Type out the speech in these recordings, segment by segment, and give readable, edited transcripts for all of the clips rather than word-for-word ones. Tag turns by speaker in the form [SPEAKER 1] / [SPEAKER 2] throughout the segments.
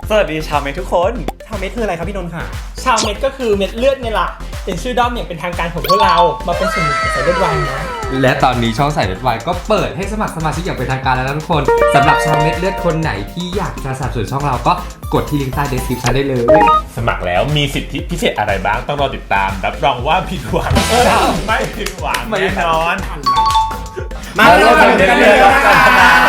[SPEAKER 1] สวัสดีชาวเมททุกคน
[SPEAKER 2] ชาวเม็ดคืออะไรครับพี่นนท์ค่ะ
[SPEAKER 3] ชาวเม็ดก็คือเม็ดเลือดไงล่ะเป็นชื่อด้อมอย่างเป็นทางการของพวกเรามาเป็นส่วนหนึ่งของสายเลือดวายนะ
[SPEAKER 4] และตอนนี้ช่องสายเลือดวายก็เปิดให้สมัครสมาชิกอย่างเป็นทางการแล้วนะทุกคนสำหรับชาวเม็ดเลือดคนไหนที่อยากจะสนับสนุนช่องเราก็กดที่ลิงก์ใต้ description ได้เลย
[SPEAKER 5] สมัครแล้วมีสิทธิพิเศษอะไรบ้างต้องรอติดตามรับรองว่าผิดหวังไม่ผิดหวังแน่นอน
[SPEAKER 2] มาเริ่มกันเลยนะคะ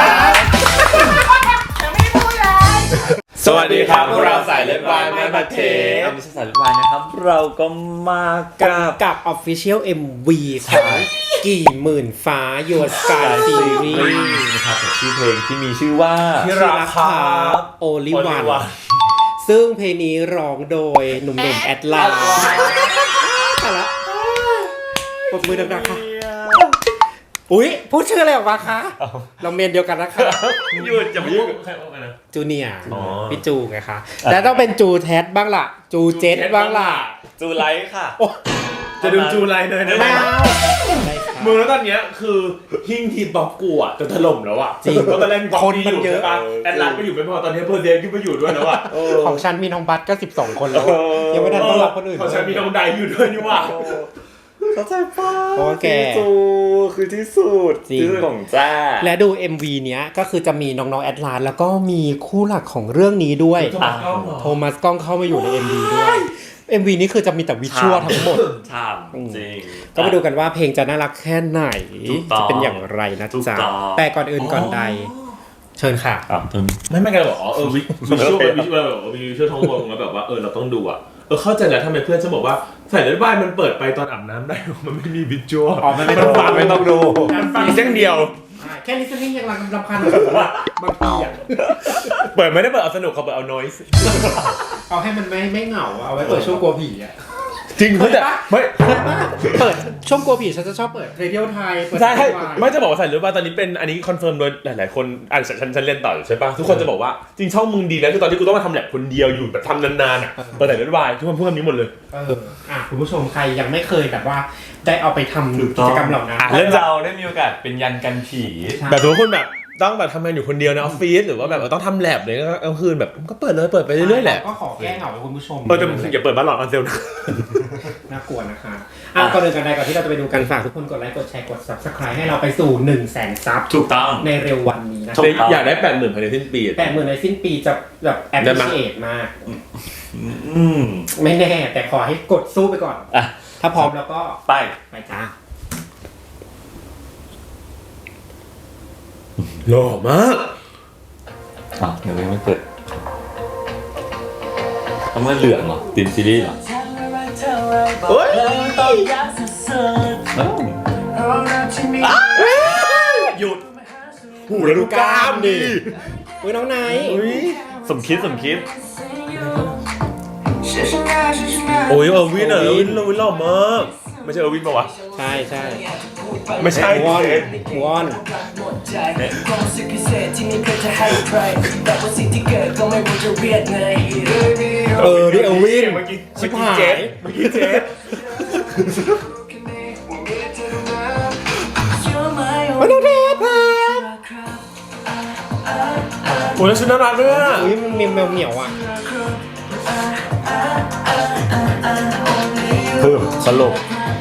[SPEAKER 5] สวัสดีครับพวกเราสายเลือดวายแม่ประเทศ
[SPEAKER 1] ไม่ใช่สายเลือดวายนะครับเราก็มากับ
[SPEAKER 2] Official MV ของกี่หมื่นฟ้า Your Sky Series
[SPEAKER 1] นะครับชื่อเพลงที่มีชื่อว่า
[SPEAKER 5] ที่รักครับ
[SPEAKER 2] Only One ซึ่งเพลงนี้ร้องโดยหนุ่มๆแอดลาแต่ละปรบมือดังๆค่ะอุ๊ยพูดชื่ออะไรออกมาคะเราเมนเดียวกันนะคะ
[SPEAKER 5] หยุดจะไม่ยุ่งใครออกมานะ
[SPEAKER 2] จูเนียร์พี่จูไงคะแล้วต้องเป็นจูแทสบ้างล่ะจูเจ็ตบ้างล่ะ
[SPEAKER 1] จูไลท์ค่ะ
[SPEAKER 5] จะดูจูไลท์เลยนะ
[SPEAKER 2] ไม่เอา
[SPEAKER 5] มึงแล้วตอนเนี้ยคือหิ้งทีมบ๊อบกูอ่ะจะถล่มแล้วอ่ะจริงเพราะตอนแรกมีคนมันเยอะแอดลัสไปอยู่ไม่พอตอนนี้เพอร์เซียขึ้นไปอยู่ด้วยแล้วอ่ะ
[SPEAKER 2] ของฉันมีน้องบัสก็12คนแล้วยังไม่ได้ต้อนรับคนอื่น
[SPEAKER 5] ของฉันมีน้องไดอยู่ด้วยนี่ว่า
[SPEAKER 1] เข้าใจป่ะ
[SPEAKER 2] โอเค
[SPEAKER 1] จูคือที่สุดที่สุดของจ้า
[SPEAKER 2] และดู MV เนี้ยก็คือจะมีน้องๆแอดลาสแล้วก็มีคู่หลักของเรื่องนี้ด้วยโทมัสกล้องเข้ามาอยู่ใน MV ด้วย MV นี้คือจะมีแต่วิชวลทั้งหมด
[SPEAKER 1] ใช่จริง
[SPEAKER 2] ก็มาดูกันว่าเพลงจะน่ารักแค่ไหนจะเป็นอย่างไรนะจ๊ะแต่ก่อนอื่นก่อนใดเชิญค่ะ
[SPEAKER 5] ไม่กันบอกวิชวลมีวิชวลท้องวงแล้วแบบว่าเราต้องดูอ่ะเข้าใจแล้วทำไมเพื่อนฉันบอกว่าสายเลือดวายมันเปิดไปตอนอาบน้ำได้มันไม่มีวิชวล
[SPEAKER 2] มันไม่ต้องฟัง
[SPEAKER 5] ไม่ต้องดูมีเส้นเดียว
[SPEAKER 2] แค่นี้เส้นนี้ยังรำคาญผมว่าบางทีอ่ะ
[SPEAKER 5] เปิดไม่ได้เปิดเอาสนุกเขาเปิดเอา noise
[SPEAKER 2] เอาให้มันไม่เหงาเอาไว้เปิดช่วงกลัวผีอ่ะ
[SPEAKER 5] จริงเขาแต่ไม่
[SPEAKER 2] เปิดช่วงกลัวผีฉันจะชอบเปิดเรดิโอไทย
[SPEAKER 5] ใช่ไม่จะบอกว่าสายเลือดวายตอนนี้เป็นอันนี้คอนเฟิร์มโดยหลายๆคนฉันเล่นต่ออยู่ใช่ป่ะทุกคนจะบอกว่าจริงช่องมึงดีแล้วคือตอนที่กูต้องมาทำแลบคนเดียวอยู่แบบทำนานๆอ่ะเปิดสายเลือดวายทุกคนพูดคำนี้หมดเลย
[SPEAKER 2] คุณผู้ชมใครยังไม่เคยแบบว่าได้เอาไปทำกิจกรรมเหล่านั้น
[SPEAKER 1] เรื่องเราได้มีโอกาสเป็นยันกันผี
[SPEAKER 5] แบบทุกคนแบบต้องแบบทำงานอยู่คนเดียวในออฟฟิศหรือว่าแบบต้องทำแลบเลยก็กลางคืนแบบก็เปิดเลยเปิดไปเรื่อยๆแหละ
[SPEAKER 2] ก็ขอแก้เหงาให้คุณผู้ชม
[SPEAKER 5] แต่อย่าเปิดบ้านหลอดออนเซลนะ
[SPEAKER 2] น่ากลัวนะคะก่อนอื่นกันใดก่อนที่เราจะไปดูกันฝากทุกคนกดไลค์กดแชร์กด Subscribe ให้เราไปสู่ 100,000 ซับ
[SPEAKER 1] ถูกต้อง
[SPEAKER 2] ในเร็ววันนี้นะ
[SPEAKER 5] อยากได้ 80,000 ภายในสิ้นปี
[SPEAKER 2] 80,000ในสิ้นปีจะแบบแอปพลิเคชันมากไม่แน่แต่ขอให้กดสู้ไปก่อนถ้าพร้อมแล้วก็ไปจ้า
[SPEAKER 5] หล่อมาก
[SPEAKER 1] เดี๋ยวยังไม่เปิดทำไมเหลืองเหรอตีมซีรีส์เหรอ
[SPEAKER 5] โอ๊ยหยุดหูแล้วดูกล้ามดิ
[SPEAKER 2] น้องไน
[SPEAKER 1] สมคิด
[SPEAKER 5] โอ้ยวินหล่อมากไม่ใช่วินป่าวะ
[SPEAKER 2] ใช่
[SPEAKER 5] ไม่ใช่
[SPEAKER 2] วอนนี่วิน
[SPEAKER 5] เมื่อกี้เจ๊
[SPEAKER 2] น้องเดช
[SPEAKER 5] โอ้ยชุดน่ารักด้วยอ่ะ
[SPEAKER 2] มันเหนียวอ่ะ
[SPEAKER 5] สลบ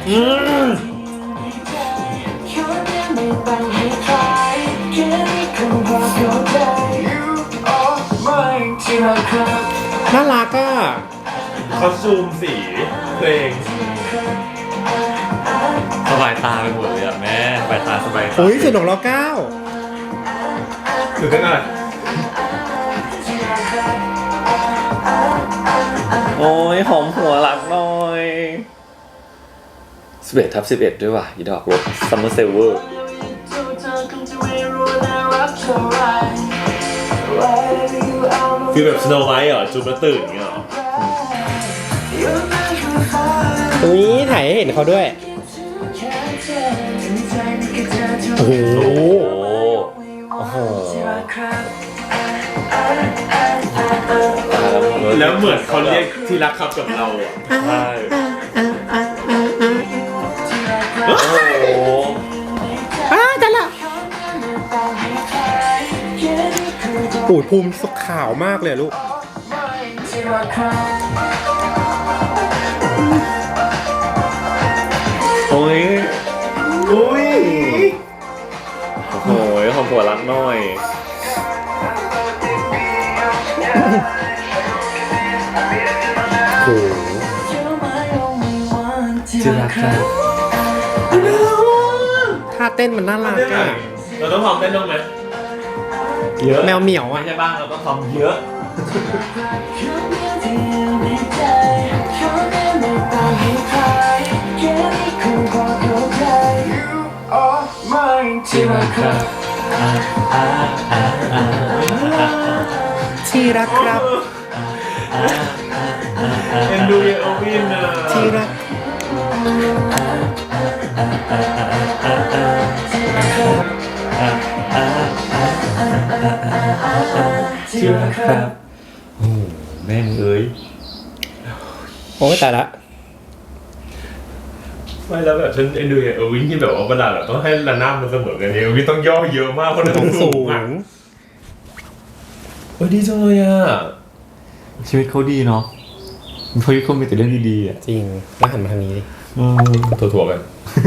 [SPEAKER 2] น่ารักอ่ะ
[SPEAKER 5] คอสตูมสีเพลง
[SPEAKER 1] สบายตาไปหมดเลยอ่ะแม่สบายตา
[SPEAKER 2] โอ้ยสุดของเรา
[SPEAKER 5] 9คือกันอะไร
[SPEAKER 1] โอ้ยหอมหัวหลักหน่อย11/11ด้วยว่ะอีดอกรถซัมเมอร์เซลเวอร์
[SPEAKER 5] ฟีลแบบสโนว์ไวท์เหรอจูบแล้วตื่นอย่างเงี้ยเหรอ
[SPEAKER 2] ถ่ายให้เห็นเขาด้วยโอ้โห
[SPEAKER 5] แล้วเหมือนเขาเรียกที่รักครับกับเราอ่ะใช่
[SPEAKER 2] โอ้โหจังละปูดภูมิขาวมากเลยลูก
[SPEAKER 1] โอ้ย
[SPEAKER 5] อุ้ย
[SPEAKER 1] โอ้ยของผัวรักหน่อย
[SPEAKER 2] โอ้โห
[SPEAKER 4] ที่รักครับ
[SPEAKER 2] ท่าเต้นมันน่ารักอะ
[SPEAKER 5] เราต้องพร้อมเต้นต้องไหม
[SPEAKER 1] เยอะ
[SPEAKER 2] แมวเหมียว
[SPEAKER 1] ไม่
[SPEAKER 2] อะ
[SPEAKER 1] ใช่บ้างเราต้องซ้อมเยอะ
[SPEAKER 4] ที่รักครับ
[SPEAKER 2] ที่รักครับ
[SPEAKER 5] เอ็นดูเยโอวินนะ
[SPEAKER 2] ที่รัก
[SPEAKER 1] ที่รักครับ โอ้แม่งเอ้ย
[SPEAKER 2] โอ้ยแต่ละ
[SPEAKER 5] ไม่แล้วแบบฉันเอ็นดูเยโอวินที่แบบว่าเวลาแบบต้องให้ระนาบมันเสมอกันเนี่ยโอวินต้องย่อเยอะมากเพราะมัน
[SPEAKER 2] ต้
[SPEAKER 5] ต้
[SPEAKER 2] อ
[SPEAKER 5] อง ง
[SPEAKER 2] สู
[SPEAKER 5] สู
[SPEAKER 2] ง
[SPEAKER 5] งอ่ะโอ้ยดีจังเลยอ่ะ
[SPEAKER 1] ชีวิตเขาดีเนาะชีวิตเขามีแต่เรื่องดีๆอ่ะ
[SPEAKER 2] จริงแล้วหันมาทางนี้ดิ
[SPEAKER 5] ถั่วๆกัน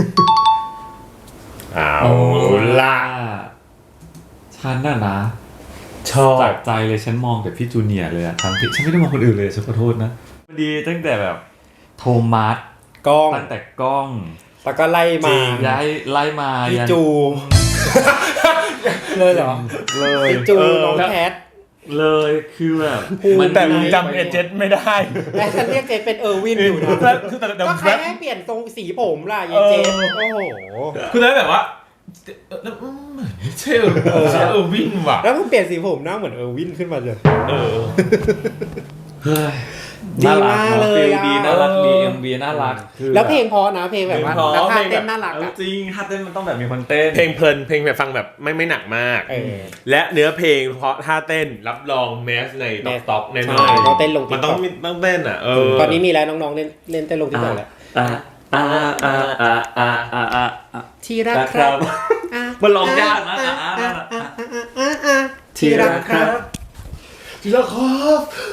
[SPEAKER 5] เอาล่ะ
[SPEAKER 1] ฉันน่ะนะ
[SPEAKER 5] ชอบ
[SPEAKER 1] จากใจเลยฉันมองแต่พี่จูเนียร์เลยอะทั้งที่ฉันไม่ได้มองคนอื่นเลยฉันขอโทษนะดีตั้งแต่แบบโทมัส
[SPEAKER 2] กล้อง
[SPEAKER 1] ตั้งแต่กล้อง
[SPEAKER 2] แล้วก็ไล่มา
[SPEAKER 1] ย้ายไล่มา
[SPEAKER 2] พี่
[SPEAKER 1] ยัน
[SPEAKER 2] จู เลยเหรอ
[SPEAKER 1] เลย
[SPEAKER 2] พี่จูน้องแคท
[SPEAKER 1] เลยคือแบบ
[SPEAKER 5] แต่มึงจำเอเจนต์ไม่ได้
[SPEAKER 2] แต่ฉันเรียกเจฟเป็นเออร์วินอยู่นะ
[SPEAKER 5] แต่
[SPEAKER 2] ก็ใครให้เปลี่ยนทรงสีผมล่ะยายเจฟโอ้โห
[SPEAKER 5] คือได้แบบว่าเหมือนไม่ใช่ใช่วินว่ะ
[SPEAKER 2] แล้วมันเปลี่ยนสีผมหน้าเหมือนเออร์วินขึ้นมาเลย
[SPEAKER 5] เออ
[SPEAKER 1] เฮ้ย
[SPEAKER 2] ดีมากเลย
[SPEAKER 1] ฟิล
[SPEAKER 2] อะ
[SPEAKER 1] ดีน่ารักดีเอ็มวีน่ารักคือ
[SPEAKER 2] แล้วเพลงเพอนะเพลงแบบว่า
[SPEAKER 5] เพลงเพราะ
[SPEAKER 2] แล้วท่า
[SPEAKER 5] เพลงแบบ
[SPEAKER 2] เต้นน่ารัก
[SPEAKER 1] เอา
[SPEAKER 2] อะ
[SPEAKER 1] จริงท่าเต้นมันต้องแบบมีคนเต้น
[SPEAKER 5] เพลงเพลินเพลงแบบฟังแบบไม่หนักมาก
[SPEAKER 2] เออ
[SPEAKER 5] และเนื้อเพลงเพราะท่าเต้นรับรองแมสในต็อกแน่น
[SPEAKER 2] ใช่
[SPEAKER 5] อน
[SPEAKER 2] ต้องเต้นลง
[SPEAKER 5] มันต้อง
[SPEAKER 2] TikTok
[SPEAKER 5] ต้องเต้นอ่ะเออ
[SPEAKER 2] ตอนนี้มีแล้วน้องๆเล่นเต้นลงที่ไหนแล้ว ที่รักครับ
[SPEAKER 1] มันร้องยากนะ
[SPEAKER 2] ที่รักครับ
[SPEAKER 5] ที่รักครับ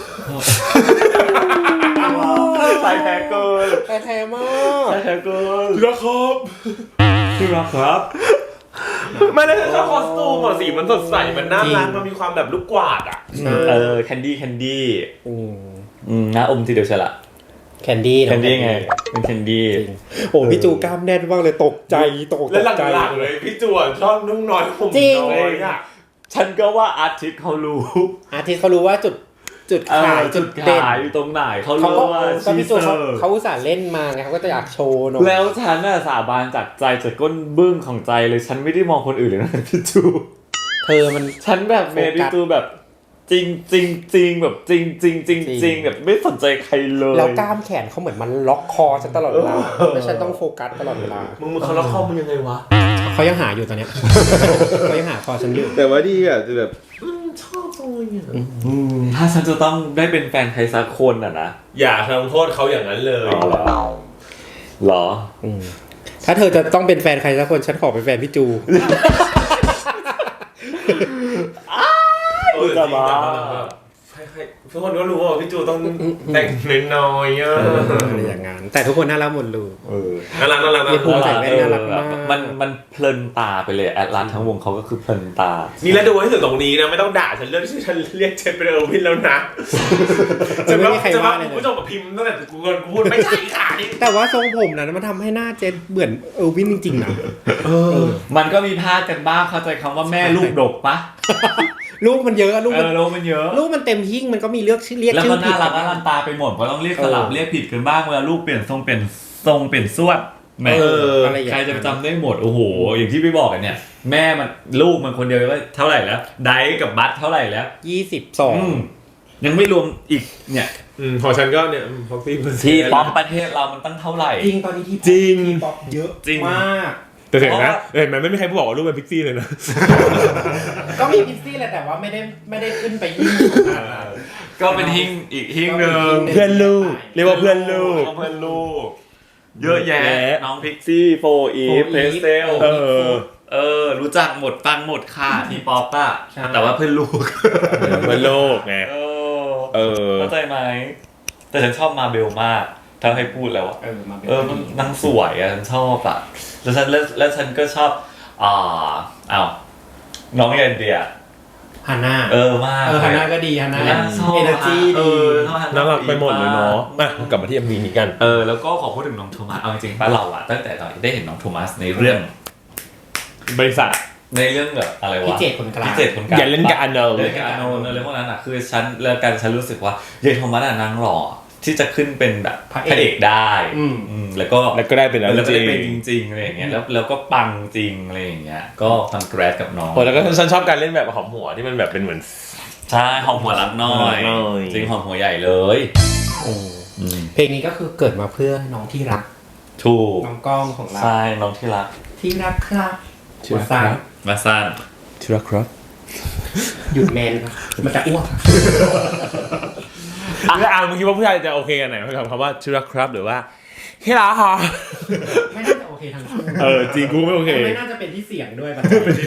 [SPEAKER 1] ใส่แพ้เกิน
[SPEAKER 2] แต่แท้มาก
[SPEAKER 1] ใส่แพ้เกิน
[SPEAKER 5] ที่รักครับ
[SPEAKER 1] ที่รักครับ
[SPEAKER 5] ไม่ได้ชอบคอสตูมอ่ะสีมันสดใสมันน่ารักมันมีความแบบลูกกวาดอ่ะ
[SPEAKER 1] แคนดี้
[SPEAKER 2] อืม
[SPEAKER 1] นะอมทีเดียวใช่ละ
[SPEAKER 2] แคนดี้
[SPEAKER 1] แคนดี้ไงเป็นแคนดี้
[SPEAKER 2] โอ้พี่จูกล้ามแน่นมากเลยตกใจตก
[SPEAKER 5] และ
[SPEAKER 2] ใจ
[SPEAKER 5] หลังๆเลยพี่จวนชอบนุ่งน้อยผม
[SPEAKER 2] จริง
[SPEAKER 5] น้อยอ่ะ
[SPEAKER 1] ฉันก็ว่าอาทิตย์เขารู้
[SPEAKER 2] อาทิตย์เขารู้ว่าจุดขายจุดเด่น
[SPEAKER 1] ขายอยู่ตรงไหนเขา
[SPEAKER 2] เขา
[SPEAKER 1] รู้
[SPEAKER 2] ก็
[SPEAKER 1] ว่า
[SPEAKER 2] ก็พี่จู
[SPEAKER 1] ชีเซอร์
[SPEAKER 2] เขาอุตส่าห์เล่นมาไงเขาก็จะอยากโชว์หน่อย
[SPEAKER 1] แล้วฉันน่ะสาบานจากใจจากก้นบึ้งของใจเลยฉันไม่ได้มองคนอื่นเลยนะพี่จู
[SPEAKER 2] เธอมัน
[SPEAKER 1] ฉันแบบเมดิจูแบบจริงจริงจริงแบบจริงจริงจริงจริงแบบไม่สนใจใครเลย
[SPEAKER 2] แล้วกล้ามแขนเขาเหมือนมันล็อกคอฉันตลอดเวลาแล้วฉันต้องโฟกัสตลอดเวลา
[SPEAKER 5] มึงเขาล็อกคอมึงยังไงวะ
[SPEAKER 2] เขายังหาอยู่ตอนเนี้ย เขายังหาคอฉันอยู่
[SPEAKER 5] แต่ว่าดีอ่ะจะแบบชอบตรงนี้
[SPEAKER 1] ถ้าฉันจะต้องได้เป็นแฟนใครสักคนอ่ะนะ
[SPEAKER 5] อย่าทำโทษเขาอย่างนั้นเลย
[SPEAKER 1] หรอ
[SPEAKER 2] ถ้าเธอจะต้องเป็นแฟนใครสักคนฉันขอเป็นแฟนพี่จู
[SPEAKER 1] จะมา
[SPEAKER 5] ทุกคนก็รู้ว่าพี่จูต้องแต่งน้อยๆอ่ะ
[SPEAKER 2] อะไรอย่างงั้นแต่ทุกคนน่ารักหมดเลย
[SPEAKER 5] น่ารักน่ารักน่า
[SPEAKER 2] มีภูมิใจ
[SPEAKER 5] รัก
[SPEAKER 2] แว่นน่ารักมาก
[SPEAKER 1] มันเพลินตาไปเลยแอดลาสทั้งวงเขาก็คือเพลินตา
[SPEAKER 5] นี่แล้วดูให้ถึงตรงนี้นะไม่ต้องด่าฉันเรื่องที่ฉันเรียกเจนเป็นเออร์วินแล้วนะจะว่าคุณผู้ชมกับพิมพ์ตั้งแต่กูพูดไม่ใช่ค่ะนี่
[SPEAKER 2] แต่ว่าทรงผมนะมันทำให้หน้าเจนเหมือนเออร์วินจริงๆนะ
[SPEAKER 1] มันก็มีพลาดกันบ้างเข้าใจคำว่าแม่ลูกดกปะ
[SPEAKER 2] ลูกมันเยอะลูกมัน
[SPEAKER 1] ลูกมันเยอะ
[SPEAKER 2] ลูกมันเต็มหิ้งมันก็มีเรียกชื่อ
[SPEAKER 1] แล้ว
[SPEAKER 2] ผิ
[SPEAKER 1] ก็
[SPEAKER 2] ด
[SPEAKER 1] น่ารักน่ารันตาไปหมดเพราะต้องเรียกสลับเรียกผิดกันบ้างเวลาลูกเปลี่ยนทรงเปลี่ยนสวดแม่
[SPEAKER 2] อะไรอย่าง
[SPEAKER 1] ใคร
[SPEAKER 2] เงี้ย
[SPEAKER 1] จะไปจำได้หมดโอ้โหอย่างที่พี่บอกกันเนี่ย แม่มันลูกมันคนเดียวว่าเท่าไหร่แล้วไดกับบัตเท่าไหร่แล้ว
[SPEAKER 2] 22
[SPEAKER 1] ยังไม่รวมอีกเนี่ย
[SPEAKER 5] ของฉันก็เนี่ยพ็อกซี่
[SPEAKER 1] ที่ป๊อปประเทศเรามันตั้งเท่าไหร่
[SPEAKER 2] จริงตอนนี้ที่
[SPEAKER 5] จริง
[SPEAKER 2] ป๊อปเยอะ
[SPEAKER 1] จริง
[SPEAKER 2] มาก
[SPEAKER 5] แต่เห็นไหมไม่มีใครบอกว่าลูกเป็นพิกซี่เลยนะ
[SPEAKER 2] ก็มีพิซซี่แหละแต่ว่าไม่ได้ขึ้นไปยิ่ง
[SPEAKER 1] ก็เป็นหิ้งอีกหิ้งหนึ่ง
[SPEAKER 5] เพื่อนลูกเรียกว่าเพื่อนลูก
[SPEAKER 1] เพื่อนลูกเยอะแยะน้องพิกซี่โฟอีฟเพสเซลรู้จักหมดฟังหมดค่ะทีป๊อปอะแต่ว่าเพื่อนลูก
[SPEAKER 5] เพื่อนลูกไง
[SPEAKER 1] เข้าใจไหมแต่ฉันชอบมาเบลมากถ้าให้พูดแล้วอะ
[SPEAKER 2] มาเป็น
[SPEAKER 1] มันนางสวยอะฉันชอบอะแล้วฉันก็ชอบน้องอินเดีย
[SPEAKER 2] ฮาน่าม
[SPEAKER 1] าก
[SPEAKER 2] ฮาน่าก็ดีฮาน่า
[SPEAKER 1] ชอบ
[SPEAKER 2] เอเนอร์จีดี
[SPEAKER 5] น่ารักไปหมดเลยเนาะกลับมาที่ MV นี้กัน
[SPEAKER 1] แล้วก็ขอพูดถึงน้องโทมัสเอาจริงๆป้าเราอะตั้งแต่ตอนได้เห็นน้องโทมัสในเรื่อง
[SPEAKER 5] บริษัท
[SPEAKER 1] ในเรื่องแบบอะไรวะ
[SPEAKER 2] พี่เจตคนกลาง
[SPEAKER 1] พี่เจตคนกลาง
[SPEAKER 5] อย่าเล่นกับอาโน
[SPEAKER 1] เล่นกับอาโนอะไรพวกนั้นอะคือฉันรู้สึกว่าเยายโทมัสอะนางหล่อที่จะขึ้นเป็นแบบพระเอกได้แล้วก็ได้เป็นแล้วก็ได้เป็นจริงๆอะไรอย่างเงี้ยแล้วก็ปังจริงอะไรอย่างเงี้ยก็คอนแกรสกับน้อง
[SPEAKER 5] แล้วก็ฉันชอบการเล่นแบบหอมหัวที่มันแบบเป็นเหมือน
[SPEAKER 1] ใช่หอมหัวรักน้อยจริงหอมหัวใหญ่เลย
[SPEAKER 2] เพลงนี้ก็คือเกิดมาเพื่อน้องที่รัก
[SPEAKER 1] ถูก
[SPEAKER 2] น้องก้องของเรา
[SPEAKER 1] ใช่น้องที่รัก
[SPEAKER 2] ที่รักครับมาสร้าง
[SPEAKER 1] มาสั้น
[SPEAKER 5] ที่รักครับ
[SPEAKER 2] หยุดแมนครับมันจะอ้วก
[SPEAKER 5] แล้วมึงคิดว่าผู้ชายจะโอเคกันไหนคำว่าที่รักครับหรือว่าที่รักฮะ
[SPEAKER 2] ไม่น่าจะโอเคทั้งคู่
[SPEAKER 5] จริงกูไม่โอเค
[SPEAKER 2] ไม่น่าจะเป็นที่เสียงด้วย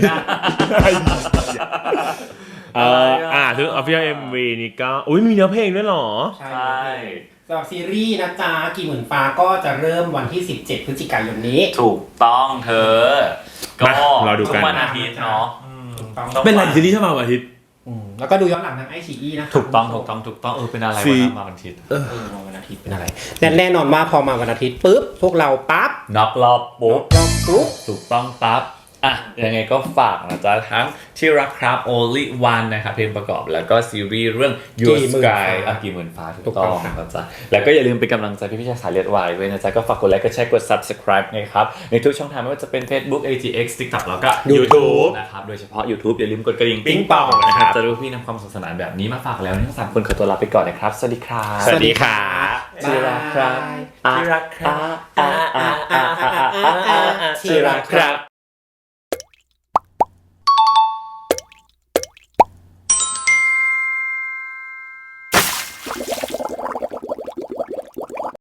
[SPEAKER 5] ถึง Official MV นี่ก็มีเนื้อเพลงด้วยเหรอ
[SPEAKER 2] ใช่สำหรับซีรีส์นะจ๊ะกี่หมื่นฟ้าก็จะเริ่มวันที่17พฤศจิกายนนี้
[SPEAKER 1] ถูกต้องเธอก็
[SPEAKER 5] เราดูกัน
[SPEAKER 1] ทุกวันอาทิตย์เนาะ
[SPEAKER 5] เป็นไรซีรีส์ที่มาวันอาทิตย์
[SPEAKER 2] แล้วก็ดูย้อนหลังทางไอชีอีนะ
[SPEAKER 1] ถูกต้องเป็นอะไรวันมาวันอาทิตย์
[SPEAKER 2] วันอาทิตย์เป็นอะไรแน่นอนว่าพอมาวันอาทิตย์ปุ๊บพวกเราปั๊บ
[SPEAKER 1] น็อกรอบปุ๊บ ถูกต้องปั๊บยังไงก็ฝากนะจ๊ะทั้งที่รักครับ Only One นะครับเพลงประกอบแล้วก็ซีรีส์เรื่อง Your Sky กี่หมื่นฟ้าถูกต้องนะจ๊ะแล้วก็อย่าลืมเป็นกำลังใจพี่ชายสายเลือดวายด้วยนะจ๊ะก็ฝากกดไลค์กดแชร์กด Subscribe นะครับในทุกช่องทางไม่ว่าจะเป็น Facebook AGX TikTok แล้วก็ YouTube นะครับโดยเฉพาะ YouTube อย่าลืมกดกระดิ่งปิ๊งปองนะครับจะรู้พี่นำความสนุกสนานแบบนี้มาฝากแล้วทั้ง3คนขอตัวลาไปก่อนนะครับสวัสดีครับ
[SPEAKER 5] สวัสดีค่ะ
[SPEAKER 1] ที่รักครับ
[SPEAKER 5] ที่รักครับ
[SPEAKER 1] ที่รักครับ